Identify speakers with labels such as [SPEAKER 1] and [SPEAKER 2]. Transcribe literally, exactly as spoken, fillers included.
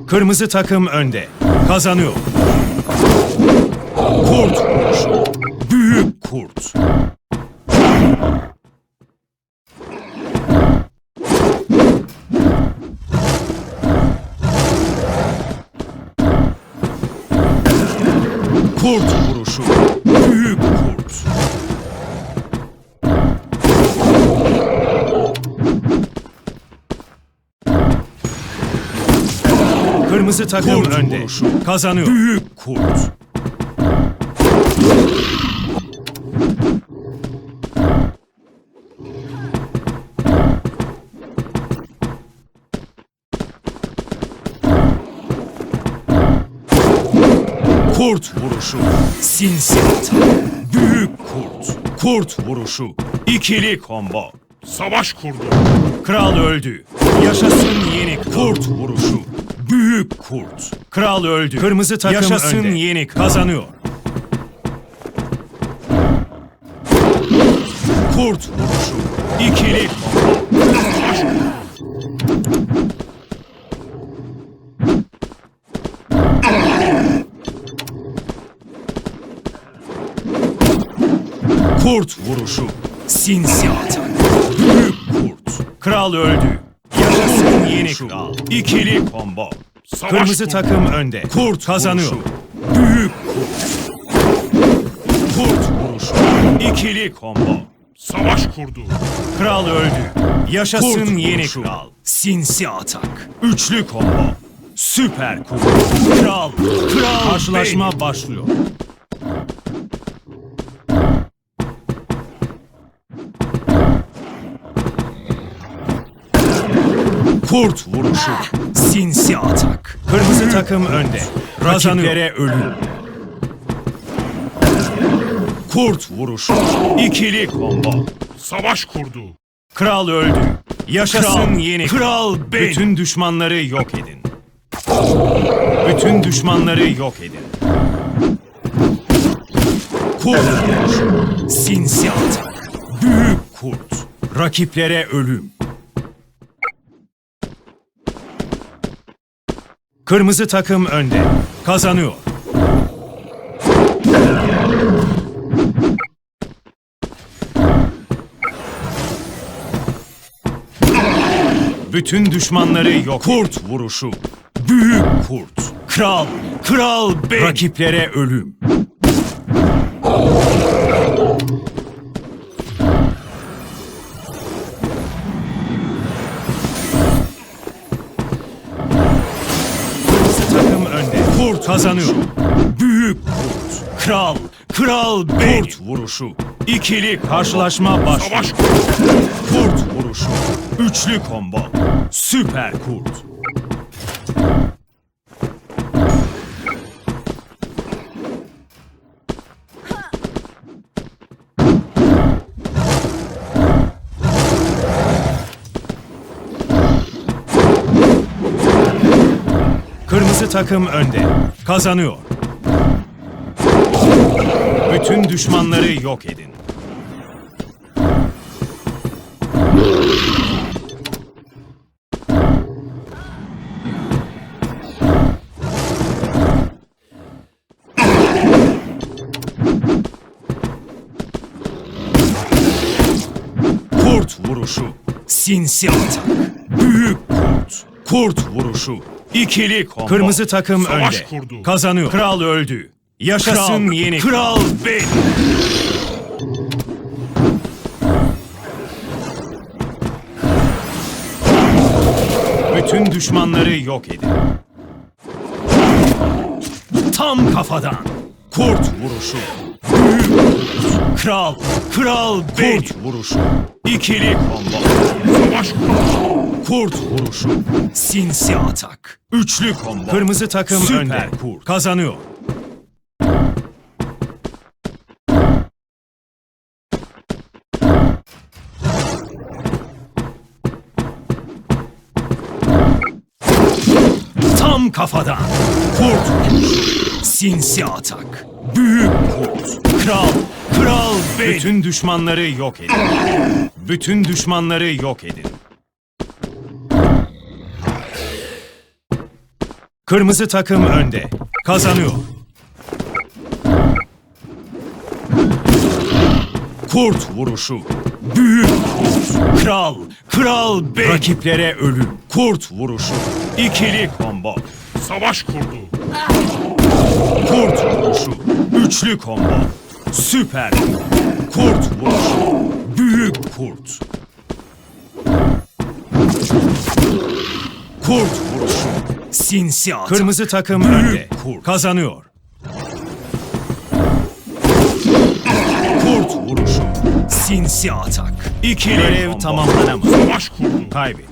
[SPEAKER 1] Kırmızı takım önde. Kazanıyor. Kurt vuruşu. Büyük kurt. Kurt vuruşu. Büyük kurt. Kırmızı takım kurt önde. Vuruşu. Kazanıyor. Büyük kurt. Kurt vuruşu. Sinsi atak. Büyük kurt. Kurt vuruşu. İkili combo.
[SPEAKER 2] Savaş kurdu.
[SPEAKER 1] Kral öldü. Yaşasın yeni kurt vuruşu. Büyük kurt. Kral öldü. Kırmızı takım yaşasın önde. Yeni kazanıyor. Kurt vuruşu. İkili combo. Kurt vuruşu. Sinsi atak. Büyük kurt. Kral öldü. Yaşasın yeni kral. İkili combo.
[SPEAKER 2] Savaş
[SPEAKER 1] Kırmızı
[SPEAKER 2] kurdu.
[SPEAKER 1] takım önde. Kurt kazanıyor.
[SPEAKER 2] Vuruşu.
[SPEAKER 1] Büyük kurt. Kurt vuruşu. İkili combo.
[SPEAKER 2] Savaş kurdu.
[SPEAKER 1] Kral öldü. Yaşasın
[SPEAKER 2] Kurt
[SPEAKER 1] yeni
[SPEAKER 2] vuruşu.
[SPEAKER 1] kral. Sinsi atak. Üçlü combo. Süper kurt. Kral. Kral. Karşılaşma benim. Başlıyor. Kurt vuruşu. Sinsi atak. Kırmızı takım önde. Rakiplere ölüm. Kurt vuruşu. İkili combo.
[SPEAKER 2] Savaş kurdu.
[SPEAKER 1] Kral öldü. Yaşasın kral, yeni kral benim. Bütün düşmanları yok edin. Bütün düşmanları yok edin. Kurt vuruşu. Sinsi atak. Büyük kurt. Rakiplere ölüm. Kırmızı takım önde. Kazanıyor. Bütün düşmanları yok. Kurt vuruşu. Büyük kurt. Kral. Kral benim. Rakiplere ölüm. Kurt kazanıyor. Büyük kurt. Kral. Kral benim. Kurt vuruşu. İkili karşılaşma başlıyor.
[SPEAKER 2] Savaş kurdu.
[SPEAKER 1] Kurt vuruşu. Üçlü combo. Süper kurt. Kırmızı takım önde. Kazanıyor. Bütün düşmanları yok edin. Kurt vuruşu. Sinsi atak. Büyük kurt. Kurt vuruşu. İkili combo. Kırmızı takım
[SPEAKER 2] Savaş
[SPEAKER 1] önde.
[SPEAKER 2] kurdu.
[SPEAKER 1] Kazanıyor. Kral öldü. Yaşasın kral, yeni kral benim. Bütün düşmanları yok edin. Tam kafadan. Kurt vuruşu. Büyük kurt. Kral. Kral benim. Kurt vuruşu. İkili combo.
[SPEAKER 2] Savaş kurdu.
[SPEAKER 1] Kurt vuruşu. Sinsi atak. Üçlü combo. Kırmızı takım süper önde. Kurt. Kazanıyor. Tam kafadan. Kurt vuruşu. Sinsi atak. Büyük kurt. Kral. Kral benim. Bütün düşmanları yok edin. Bütün düşmanları yok edin. Kırmızı takım önde. Kazanıyor. Kurt vuruşu. Büyük kurt. Kral. Kral benim. Rakiplere ölüm. Kurt vuruşu. İkili combo.
[SPEAKER 2] Savaş kurdu.
[SPEAKER 1] Kurt vuruşu. Üçlü combo. Süper. Kurt vuruşu. Büyük kurt. Kurt vuruşu. Sinsi atak. Kırmızı takım önde. Kurt. Kazanıyor. Kurt vuruşu. Sinsi atak. İkili görev tamamlanamaz.
[SPEAKER 2] Savaş kurdu.
[SPEAKER 1] Kaybet.